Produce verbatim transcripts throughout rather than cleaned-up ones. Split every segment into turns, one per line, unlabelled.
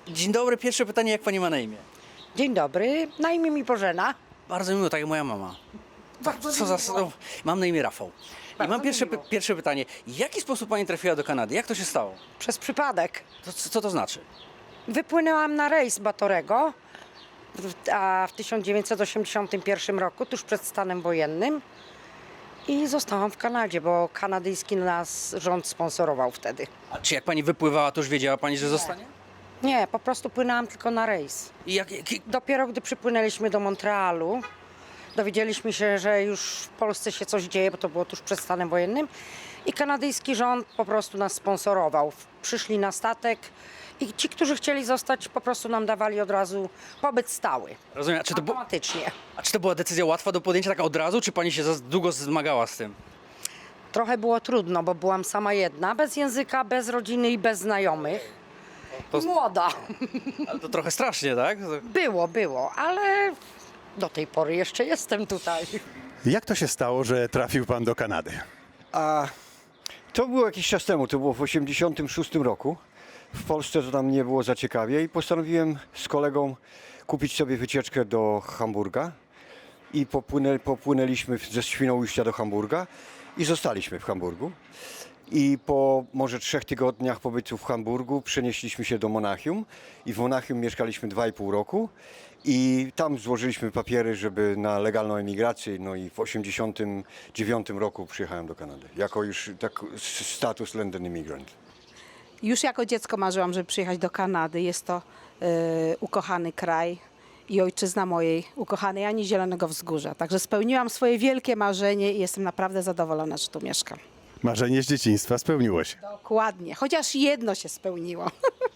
Dzień dobry, pierwsze pytanie, jak pani ma na imię?
Dzień dobry, na imię mi Bożena.
Bardzo miło, tak jak moja mama.
Bardzo
Co za...
miło.
o, Mam na imię Rafał. I
Bardzo
mam pierwsze,
miło.
py- pierwsze pytanie. W jaki sposób pani trafiła do Kanady? Jak to się stało?
Przez przypadek.
To, co co to znaczy?
Wypłynęłam na rejs Batorego, w- a w tysiąc dziewięćset osiemdziesiątym pierwszym roku, tuż przed stanem wojennym. I zostałam w Kanadzie, bo kanadyjski nas rząd sponsorował wtedy.
A czy jak pani wypływała, to już wiedziała pani, że zostanie?
Nie, po prostu płynęłam tylko na rejs.
I jak, jak,
Dopiero gdy przypłynęliśmy do Montrealu, dowiedzieliśmy się, że już w Polsce się coś dzieje, bo to było tuż przed stanem wojennym. I kanadyjski rząd po prostu nas sponsorował. Przyszli na statek i ci, którzy chcieli zostać, po prostu nam dawali od razu pobyt stały.
rozumiem, a czy, to bu-
Automatycznie.
a czy to była decyzja łatwa do podjęcia tak od razu, czy pani się za długo zmagała z tym?
Trochę było trudno, bo byłam sama jedna, bez języka, bez rodziny i bez znajomych.
To-
I młoda.
Ale to trochę strasznie, tak?
Było, było, ale do tej pory jeszcze jestem tutaj.
Jak to się stało, że trafił pan do Kanady?
A to było jakiś czas temu, to było w osiemdziesiątym szóstym roku. W Polsce to tam nie było za ciekawie i postanowiłem z kolegą kupić sobie wycieczkę do Hamburga i popłynę, popłynęliśmy ze Świnoujścia do Hamburga i zostaliśmy w Hamburgu. I po może trzech tygodniach pobytu w Hamburgu przenieśliśmy się do Monachium i w Monachium mieszkaliśmy dwa i pół roku i tam złożyliśmy papiery, żeby na legalną emigrację, no i w osiemdziesiątym dziewiątym roku przyjechałem do Kanady, jako już tak status London Immigrant.
Już jako dziecko marzyłam, żeby przyjechać do Kanady. Jest to e, ukochany kraj i ojczyzna mojej ukochanej Ani Zielonego Wzgórza. Także spełniłam swoje wielkie marzenie i jestem naprawdę zadowolona, że tu mieszkam.
Marzenie z dzieciństwa spełniło się.
Dokładnie. Chociaż jedno się spełniło.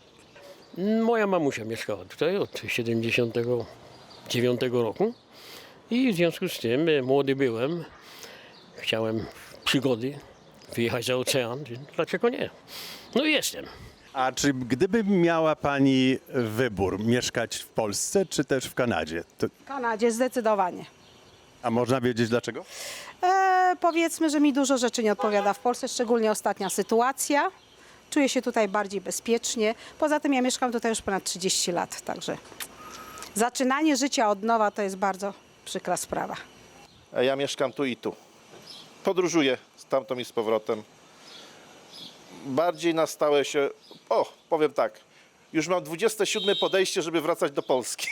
Moja mamusia mieszkała tutaj od siedemdziesiątego dziewiątego roku i w związku z tym e, młody byłem, chciałem przygody, wyjechać za ocean, więc dlaczego nie? No i jestem.
A czy gdyby miała pani wybór mieszkać w Polsce czy też w Kanadzie, to,
W Kanadzie zdecydowanie.
a można wiedzieć dlaczego?
E, powiedzmy, że mi dużo rzeczy nie odpowiada w Polsce, szczególnie ostatnia sytuacja. Czuję się tutaj bardziej bezpiecznie. Poza tym ja mieszkam tutaj już ponad trzydzieści lat, także zaczynanie życia od nowa to jest bardzo przykra sprawa.
A ja mieszkam tu i tu. Podróżuję stamtąd i z powrotem. Bardziej na stałe się... O, powiem tak. Już mam dwudzieste siódme podejście, żeby wracać do Polski.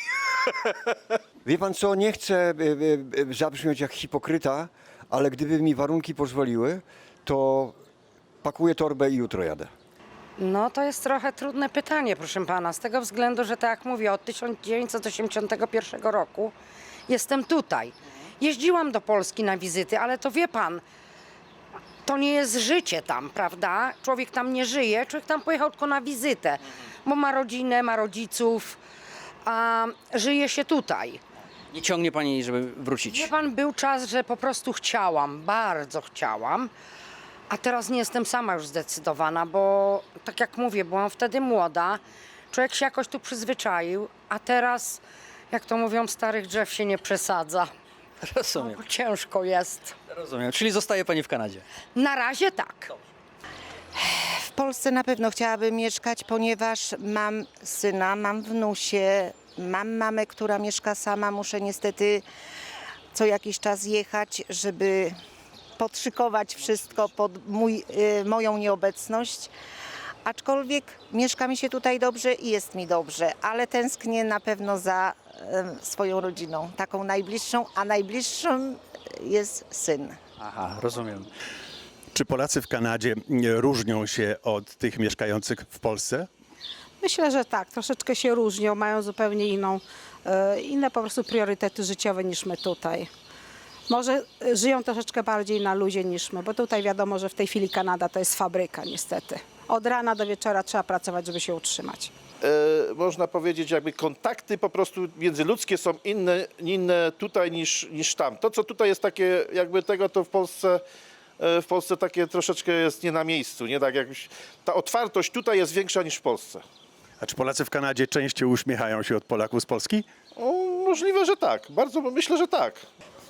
Wie pan co, nie chcę e, e, zabrzmieć jak hipokryta, ale gdyby mi warunki pozwoliły, to pakuję torbę i jutro jadę.
No to jest trochę trudne pytanie, proszę pana, z tego względu, że tak jak mówię, od tysiąc dziewięćset osiemdziesiątego pierwszego roku jestem tutaj. Jeździłam do Polski na wizyty, ale to wie pan, to nie jest życie tam, prawda? Człowiek tam nie żyje, człowiek tam pojechał tylko na wizytę, bo ma rodzinę, ma rodziców, a żyje się tutaj.
Nie ciągnie pani, żeby wrócić.
Wie pan, był czas, że po prostu chciałam, bardzo chciałam, a teraz nie jestem sama już zdecydowana, bo tak jak mówię, byłam wtedy młoda, człowiek się jakoś tu przyzwyczaił, a teraz, jak to mówią, starych drzew się nie przesadza,
Rozumiem,
bo ciężko jest.
rozumiem. Czyli zostaje pani w Kanadzie.
Na razie tak.
W Polsce na pewno chciałabym mieszkać, ponieważ mam syna, mam wnusie, mam mamę, która mieszka sama. Muszę niestety co jakiś czas jechać, żeby podszykować wszystko pod mój, y, moją nieobecność. Aczkolwiek mieszka mi się tutaj dobrze i jest mi dobrze, ale tęsknię na pewno za y, swoją rodziną, taką najbliższą, a najbliższą jest syn.
Aha, rozumiem.
Czy Polacy w Kanadzie e, różnią się od tych mieszkających w Polsce?
Myślę, że tak, troszeczkę się różnią, mają zupełnie inną, e, inne po prostu priorytety życiowe niż my tutaj. Może e, żyją troszeczkę bardziej na luzie niż my, bo tutaj wiadomo, że w tej chwili Kanada to jest fabryka niestety. Od rana do wieczora trzeba pracować, żeby się utrzymać.
E, można powiedzieć, jakby kontakty po prostu międzyludzkie są inne, inne tutaj niż, niż tam. To, co tutaj jest takie jakby tego, to w Polsce... e, W Polsce takie troszeczkę jest nie na miejscu, nie tak jakbyś, ta otwartość tutaj jest większa niż w Polsce.
A czy Polacy w Kanadzie częściej uśmiechają się od Polaków z Polski?
O, możliwe, że tak. Bardzo myślę, że tak.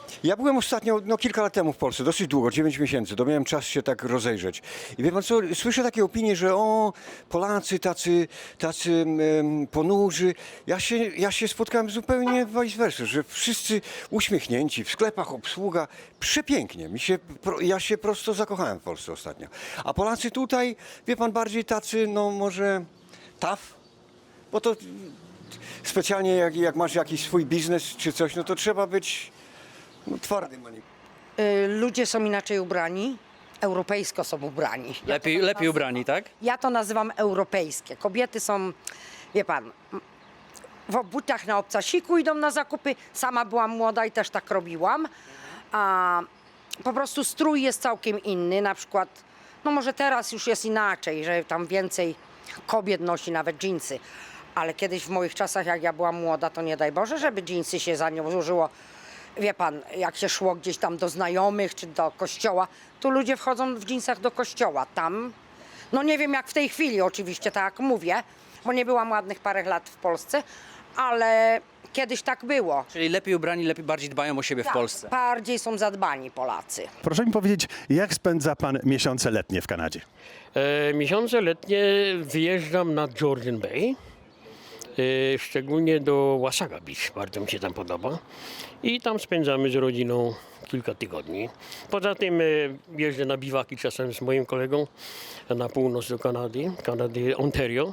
Ja byłem ostatnio, no kilka lat temu w Polsce, dosyć długo, dziewięć miesięcy, to miałem czas się tak rozejrzeć. I wie pan co, słyszę takie opinie, że o, Polacy tacy, tacy em, ponurzy. Ja się, ja się spotkałem zupełnie vice versa, że wszyscy uśmiechnięci, w sklepach obsługa, przepięknie. Mi się, pro- ja się prosto zakochałem w Polsce ostatnio. A Polacy tutaj, wie pan, bardziej tacy, no może tough, bo to specjalnie jak, jak masz jakiś swój biznes czy coś, no to trzeba być no, twardym. a nie-
Y, Ludzie są inaczej ubrani, europejsko są ubrani. Ja
Lepiej,
to
lepiej
nazywam-
ubrani, tak?
Ja to nazywam europejskie. Kobiety są, wie pan, w butach na obcasiku idą na zakupy. Sama byłam młoda i też tak robiłam. A po prostu strój jest całkiem inny. Na przykład, no może teraz już jest inaczej, że tam więcej kobiet nosi nawet dżinsy. Ale kiedyś w moich czasach, jak ja byłam młoda, to nie daj Boże, żeby dżinsy się za nią złożyło. Wie pan, jak się szło gdzieś tam do znajomych czy do kościoła, tu ludzie wchodzą w dżinsach do kościoła. Tam, no nie wiem jak w tej chwili oczywiście, tak jak mówię, bo nie byłam ładnych parę lat w Polsce, ale kiedyś tak było.
Czyli lepiej ubrani, lepiej bardziej dbają o siebie w Polsce.
Bardziej są zadbani Polacy.
Proszę mi powiedzieć, jak spędza pan miesiące letnie w Kanadzie?
E, miesiące letnie wyjeżdżam na Georgian Bay, e, szczególnie do Wasaga Beach, bardzo mi się tam podoba. I tam spędzamy z rodziną kilka tygodni. Poza tym e, jeżdżę na biwaki czasem z moim kolegą na północ do Kanady, Kanady Ontario.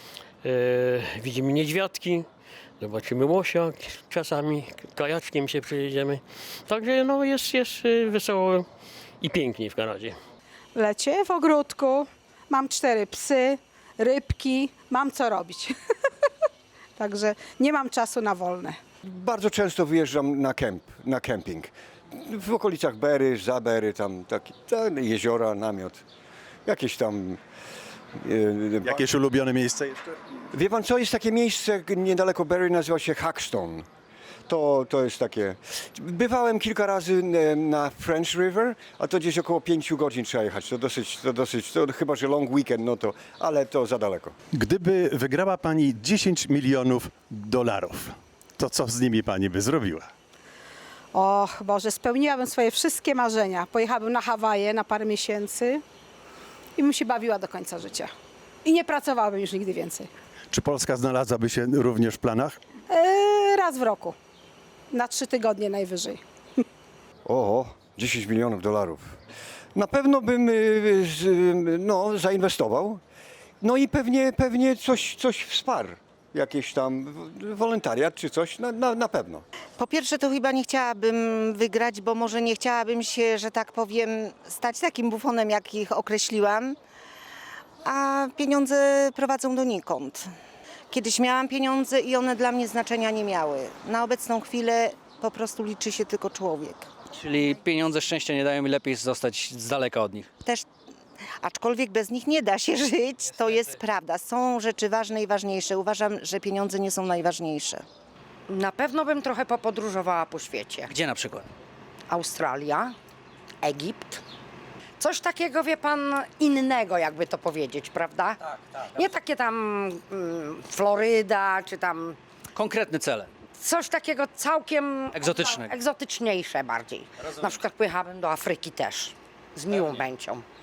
E, widzimy niedźwiadki, zobaczymy łosia, czasami kajaczkiem się przejedziemy. Także no, jest, jest e, wesoło i pięknie w Kanadzie.
W lecie w ogródku, mam cztery psy, rybki, mam co robić. Także nie mam czasu na wolne.
Bardzo często wyjeżdżam na kemp, na kemping. W okolicach Bery, za Bery, tam takie tam jeziora, namiot, jakieś tam... e,
Jakieś ulubione miejsce jeszcze?
Wie pan co, jest takie miejsce niedaleko Berry, nazywa się Hackstone. To, to jest takie... Bywałem kilka razy e, na French River, a to gdzieś około pięciu godzin trzeba jechać. To dosyć, to dosyć, to chyba, że long weekend, no to, ale to za daleko.
Gdyby wygrała pani dziesięć milionów dolarów, to co z nimi pani by zrobiła?
Och Boże, spełniłabym swoje wszystkie marzenia. Pojechałabym na Hawaje na parę miesięcy i bym się bawiła do końca życia. I nie pracowałabym już nigdy więcej.
Czy Polska znalazłaby się również w planach?
Eee, raz w roku. Na trzy tygodnie najwyżej.
O, dziesięć milionów dolarów. Na pewno bym y, z, y, no, zainwestował. No i pewnie, pewnie coś, coś wsparł. Jakieś tam w- wolontariat czy coś, na, na, na pewno.
Po pierwsze, to chyba nie chciałabym wygrać, bo może nie chciałabym się, że tak powiem, stać takim bufonem, jak ich określiłam, a pieniądze prowadzą donikąd. Kiedyś miałam pieniądze i one dla mnie znaczenia nie miały. Na obecną chwilę po prostu liczy się tylko człowiek.
Czyli pieniądze szczęścia nie dają i lepiej zostać z daleka od nich.
Też, aczkolwiek bez nich nie da się żyć, to jest prawda. Są rzeczy ważne i ważniejsze. Uważam, że pieniądze nie są najważniejsze.
Na pewno bym trochę popodróżowała po świecie.
Gdzie na przykład?
Australia, Egipt. Coś takiego, wie pan, innego, jakby to powiedzieć, prawda? Tak, tak. Nie takie tam mm, Floryda, czy tam
Konkretne cele.
coś takiego całkiem
Egzotycznego.
egzotyczniejsze bardziej. Na przykład pojechałabym do Afryki też, z miłą chęcią.